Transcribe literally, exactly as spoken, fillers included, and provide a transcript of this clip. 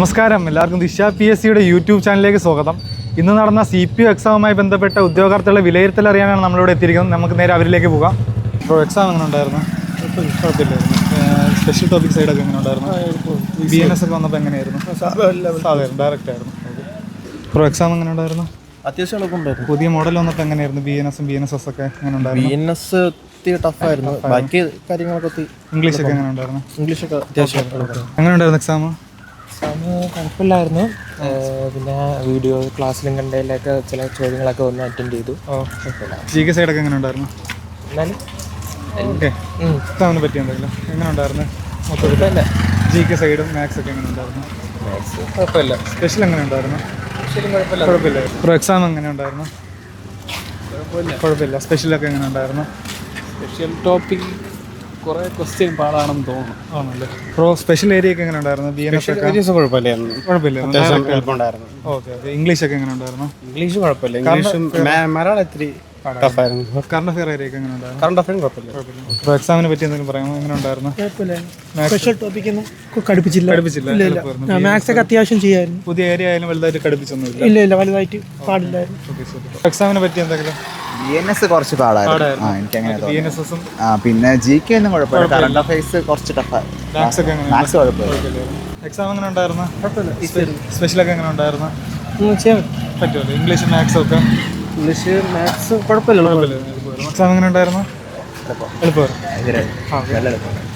നമസ്കാരം, എല്ലാവർക്കും ദിശ പി എസ് സിയുടെ യൂട്യൂബ് ചാനലിലേക്ക് സ്വാഗതം. ഇന്ന് നടന്ന സി പി യു എക്സാമുമായി ബന്ധപ്പെട്ട ഉദ്യോഗാർത്ഥികളുടെ വിലയിരുത്തൽ അറിയാനാണ് നമ്മളിവിടെ എത്തിയിരിക്കുന്നത്. നമുക്ക് നേരെ അവരിലേക്ക് പോകാം. ഇപ്പോൾ എക്സാം എങ്ങനെ ഉണ്ടായിരുന്നു? കുഴപ്പമില്ലായിരുന്നു. സ്പെഷ്യൽ ടോപ്പിക് സൈഡൊക്കെ എങ്ങനെ ഉണ്ടായിരുന്നു? ബി എൻ എസ് ഒക്കെ വന്നപ്പോൾ എങ്ങനെയായിരുന്നു? സാധാരണ ഡയറക്റ്റ് ആയിരുന്നു. ഇപ്പോൾ എക്സാം എങ്ങനെ ഉണ്ടായിരുന്നു? അത്യാവശ്യം എളുപ്പമുണ്ടായിരുന്നു. പുതിയ മോഡൽ വന്നപ്പോൾ എങ്ങനെയായിരുന്നു? ബി എൻ എസും ബി എൻ എസ് എസ് ഒക്കെ എങ്ങനെ ഉണ്ടായിരുന്നു? ബി എൻ എസ് ടഫായിരുന്നു. ബാക്കി കാര്യങ്ങളൊക്കെ ഇംഗ്ലീഷ് ഒക്കെ എങ്ങനെ ഉണ്ടായിരുന്നു? ഇംഗ്ലീഷൊക്കെ അത്യാവശ്യം എങ്ങനെ ഉണ്ടായിരുന്നു എക്സാം? എക്സാം കുഴപ്പമില്ലായിരുന്നു. പിന്നെ വീഡിയോ ക്ലാസ്സിലും കണ്ടതിലൊക്കെ ചില ചോദ്യങ്ങളൊക്കെ ഒന്ന് അറ്റൻഡ് ചെയ്തു. ജി കെ സൈഡൊക്കെ എങ്ങനെ ഉണ്ടായിരുന്നു? എന്നാലും ഓക്കെ. എക്സാമിനെ പറ്റി എന്തെങ്കിലും എങ്ങനെ ഉണ്ടായിരുന്നു? കുഴപ്പമില്ല. ജി കെ സൈഡും മാത്സ് ഒക്കെ എങ്ങനെ ഉണ്ടായിരുന്നു? മാത്സ് കുഴപ്പമില്ല. സ്പെഷ്യൽ എങ്ങനെ ഉണ്ടായിരുന്നു? ശരി, കുഴപ്പമില്ല. കുഴപ്പമില്ല. ഇപ്പോൾ എക്സാം എങ്ങനെ ഉണ്ടായിരുന്നു? കുഴപ്പമില്ല. സ്പെഷ്യലൊക്കെ എങ്ങനെ ഉണ്ടായിരുന്നു? സ്പെഷ്യൽ ടോപ്പിക് കുറേ ക്വസ്റ്റ്യൻ പാടാണെന്ന് തോന്നുന്നു. ആണല്ലേ. ഇപ്പോൾ സ്പെഷ്യൽ ഏരിയ ഒക്കെ എങ്ങനെ ഉണ്ടായിരുന്നു? ബി എൻ എസ് ഒക്കെ കുഴപ്പമില്ലായിരുന്നു. കുഴപ്പമില്ല. എളുപ്പമുണ്ടായിരുന്നു. Okay okay. ഇംഗ്ലീഷ് ഒക്കെ എങ്ങനെ ഉണ്ടായിരുന്നു? ഇംഗ്ലീഷ് കുഴപ്പമില്ല. ഇംഗ്ലീഷും മലയാളം ഇത്തിരി ടഫായിരുന്നു. കറണ്ട് അഫെയർ ഏരിയ ഒക്കെ എങ്ങനെ ഉണ്ടായിരുന്നു? കറണ്ട് അഫയറും കുഴപ്പമില്ല. ഇപ്പോൾ എക്സാമിനെ പറ്റി എന്തെങ്കിലും പറയാമോ? എങ്ങനെ ഉണ്ടായിരുന്നു? സ്പെഷ്യൽ ടോപ്പിക് ഒന്നും കടുപ്പിച്ചില്ല. കടുപ്പിച്ചില്ല. മാത്സ് ഒക്കെ അത്യാവശ്യം ചെയ്യായിരുന്നു. പുതിയ ഏരിയ ആയാലും വലുതായിട്ട് കടുപ്പിച്ചൊന്നുമില്ല. ഇല്ല ഇല്ല വലുതായിട്ട് പാടില്ലായിരുന്നു. എക്സാമിനെ പറ്റി എന്തെങ്കിലും? ബി എൻ എസ് കുറച്ച് പാടായിരുന്നു. എനിക്കങ്ങനെ ബി എൻ എസ് എസും ആ പിന്നെ ജി കെ ഒന്നും കുഴപ്പമില്ല. കറണ്ട് അഫയേഴ്സ് കുറച്ച് ടഫായിരുന്നു. മാത്സ് ഒക്കെ എങ്ങനെ? മാത്സ് കുഴപ്പമില്ല. എക്സാം എങ്ങനെ ഉണ്ടായിരുന്നു? സ്പെഷ്യലൊക്കെ എങ്ങനെ ഉണ്ടായിരുന്നു? ചെയ്യാൻ പറ്റുമല്ലോ. ഇംഗ്ലീഷ് മാത്സും ഒക്കെ ഇംഗ്ലീഷ് മാത്സ് കുഴപ്പമില്ല. എക്സാം എങ്ങനെ ഉണ്ടായിരുന്നു? എളുപ്പമായിരുന്നു. നല്ല എളുപ്പം.